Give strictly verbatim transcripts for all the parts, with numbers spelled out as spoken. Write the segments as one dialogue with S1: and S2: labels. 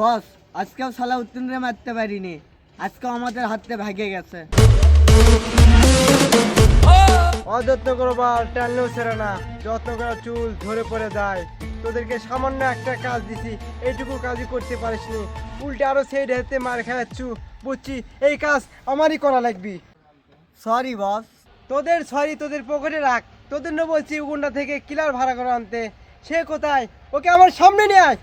S1: বস, আজকেও সালাউদ্দিনরে মারতে পারিনি, আজকেও আমাদের হাতে ভাগে গেছে।
S2: অযত্ন করবার টানলেও সেরে না, যত্ন করা চুল ধরে পড়ে যায়। তোদেরকে সামান্য একটা কাজ দিছি, এইটুকু কাজই করতে পারিসনি, উল্টে আরো সেই ঢেতে মার খাওয়াচ্ছু। বুঝছি এই কাজ আমারই করা লাগবি।
S1: Sorry boss.
S2: তোদের সরি তোদের পকেটে রাখ। তোদের না বলছি উগুন্ডা থেকে কিলার ভাড়া করে আনতে, সে কোথায়? ওকে আমার সামনে নিয়ে আয়।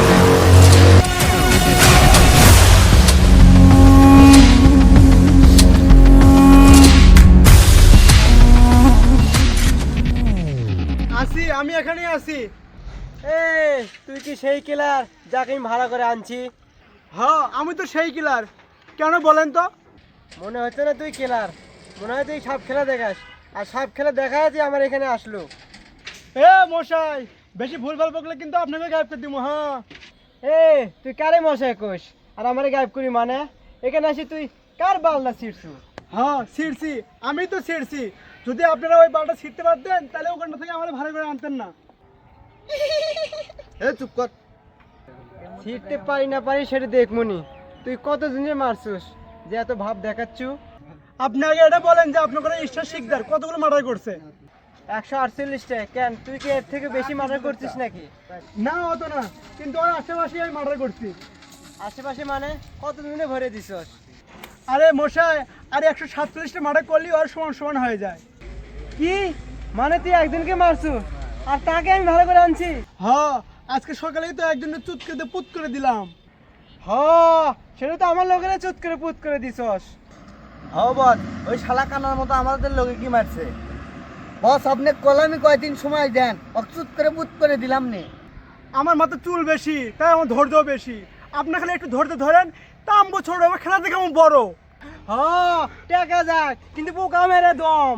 S2: আসি, আমি এখানেই আছি। এ তুই কি সেই কিলার যাকে আমি ভাড়া করে আনছি? হ্যাঁ, আমি তো সেই কিলার। কেন বলেন তো? মনে হচ্ছে না তুই কিলার, মনে হয় তুই সাপ খেলা দেখাস, আর সাপ খেলা দেখায় যে আমার এখানে আসলো। এ মশাই, বেশি ভুলভাল বকলে কিন্তু আপনাকে গায়েব করে দিব। হ্যাঁ, এ তুই কারে মশাই কোষ আর আমারে গায়েব করি মানে? এখানে আসি তুই কার বালনা ছিড়ছু? হ্যাঁ ছিড়ছি, আমি তো ছিড়ছি। যদি আপনারা ওই বালটা ছিড়তে পারতেন তাহলে ওখানটা থেকে আমার ভাড়া করে আনতেন না।
S1: এ চুপ কর।
S2: ছিড়তে পারি না পারি সেটা দেখমনি। তুই কত দিনে মারছুস যে এত ভাব দেখাচ্ছু?
S3: আপনি আগে এটা বলেন যে আপনার কোনো স্টার শিকদার কতগুলো মার্ডার করছে?
S2: একশো আটচল্লিশটা। কেন তুই কি এর থেকে বেশি মার্ডার করছিস নাকি?
S3: না অত না, কিন্তু ওর আশেপাশে আমি মার্ডার করছি।
S2: আশেপাশে মানে কত দিনে ভরে দিছস?
S3: আরে মশাই, আরে একশো সাতচল্লিশটা মার্ডার করলেই ওর সমান সমান হয়ে যায়।
S2: কি মানে তুই একজনকে মারছু আর তাকে আমি ভালো করে আনছি?
S3: হ্যাঁ, আজকে সকালেই তো একজনের চুত করে পুত করে দিলাম।
S2: হ, সেটা তো আমার লোকেরা চুত করে পুত করে দিছস।
S1: হ্যাঁ বস, ওই শালা কানার মতো আমাদের লোকে কি মারছে? বস, আপনি কলামি কয়দিন সময় দেন, অচুত করে পুত করে দিলাম নে।
S3: আমার মাথা চুল বেশি, তাই আমার ধৈর্য বেশি। আপনার খালি একটু ধৈর্য ধরেন, তা আমবো ছোট হবে, খেলা দেখে আমার বড়।
S2: হ, টাকা যাক কিন্তু পোকা মেরে দম।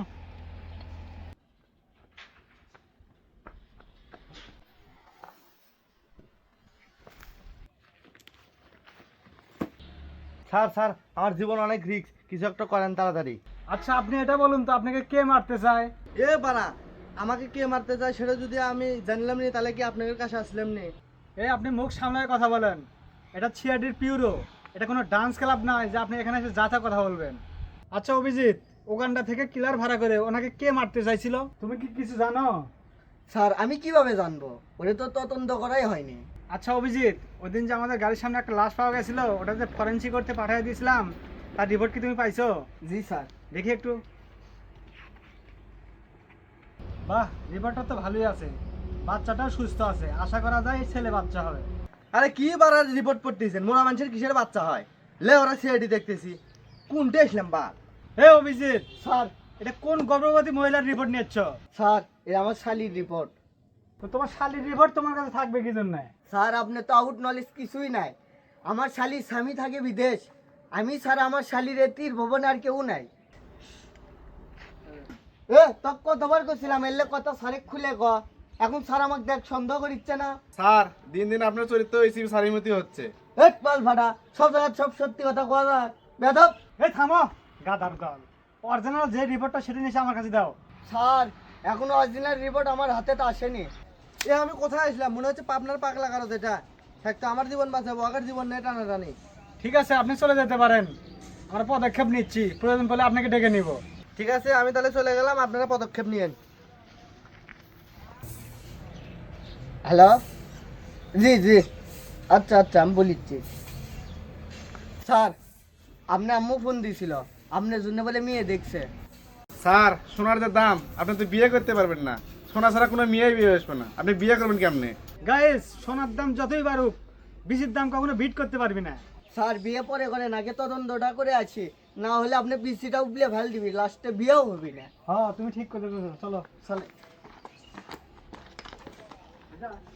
S1: স্যার স্যার, আমার জীবন অনেক রিস্ক, কিছু একটা করেন তাড়াতাড়ি।
S3: আচ্ছা আপনি এটা বলুন তো, আপনাকে কে মারতে চায়?
S1: এ পারা, আমাকে কে মারতে চায় সেটা যদি আমি জানলাম নি তাহলে কি আপনাদের কাছে আসলাম নি?
S3: এই আপনি মুখ সামলায় কথা বলেন। এটা ছিয়াডির পিউরো, এটা কোনো ডান্স ক্লাব নয় যে আপনি এখানে এসে যা তা কথা বলবেন। আচ্ছা অভিজিৎ, ওখানটা থেকে কিলার ভাড়া করে ওনাকে কে মারতে চাইছিল তুমি কি কিছু জানো?
S1: স্যার, আমি কিভাবে জানবো? ওটা তো তদন্ত করাই হয়নি।
S3: আচ্ছা অভিজিৎ, ওই দিন যে আমাদের গাড়ির সামনে একটা লাশ পাওয়া গেছিল, ওটা যে ফরেন্সিক করতে পাঠিয়ে দিয়েছিলাম, তার রিপোর্ট কি তুমি পাইছো?
S1: জি স্যার।
S3: দেখি একটু। বাহ, রিপোর্টটা তো ভালোই আছে, বাচ্চাটাও সুস্থ আছে, আশা করা যায় ছেলে বাচ্চা হবে।
S1: আরে কি বারার রিপোর্ট করতেছেন? মোরা মানুষের কিসের বাচ্চা হয়? লে ওরা সিআইডি দেখতেছি, কোনটা ইসলাম বা?
S3: হে অভিজিৎ স্যার, এটা কোন গর্ভবতী মহিলার রিপোর্ট নিচ্ছ?
S1: স্যার, এটা আমার শালির রিপোর্ট।
S3: তো তোমার শালির রিপোর্ট তোমার কাছে থাকবে কি জন্য?
S1: স্যার, আপনি তো আউট নলেজ কিছুই নাই। আমার শালির স্বামী থাকে বিদেশ, আমি স্যার আমার শালির এতির ভবনে আর কেউ নাই। এ তক কতবার করছিলাম এলে কথা সারে খুলে ক। এখন স্যার আমাকে দেখ সন্দেহ করিচ্ছে না?
S4: স্যার, দিন দিন আপনার চরিত্র এসিবি সারিমতি হচ্ছে।
S1: এক পাল ফাটা, সব জায়গায় সব সত্যি কথা কওয়া যায় বেদব।
S3: এই থামো, গাদার দল। অরিজিনাল যে রিপোর্টটা সেটা নিয়ে এসে আমার কাছে দাও।
S1: স্যার, এখনো অরিজিনাল রিপোর্ট আমার হাতে তো আসেনি। এ আমি কোথায় আসলাম? মনে হচ্ছে পাবনার পাগলা কারো যেটা থাকতো আমার জীবন বাঁচাবো, আগের জীবন নেই টানাটানি।
S3: ঠিক আছে, আপনি চলে যেতে পারেন, আমরা পদক্ষেপ নিচ্ছি, প্রয়োজন পড়লে আপনাকে ডেকে নিব।
S1: ঠিক আছে, আমি তাহলে চলে গেলাম, আপনারা পদক্ষেপ নিয়েন। হ্যালো, জি জি, আচ্ছা আচ্ছা, আমি বলিচ্ছি। স্যার, আপনি আম্মু ফোন দিয়েছিল, আপনার জন্য বলে মেয়ে দেখছে।
S4: স্যার, সোনার যে দাম, আপনি তো বিয়ে করতে পারবেন না। সোনা ছাড়া কোনো মেয়েই বিয়ে আসবে না, আপনি বিয়ে করবেন কেমনে?
S3: গাইস, সোনার দাম যতই বাড়ুক, বিচির দাম কখনো বিট করতে পারবি না।
S1: স্যার, বিয়ে পরে করেন, আগে তদন্তটা করে আছি, না হলে আপনি পিসিটা উবলে ফেল দিবি, লাস্টে বিয়েও হবি না।
S3: হ্যাঁ, তুমি ঠিক করে চলো।
S1: চলে।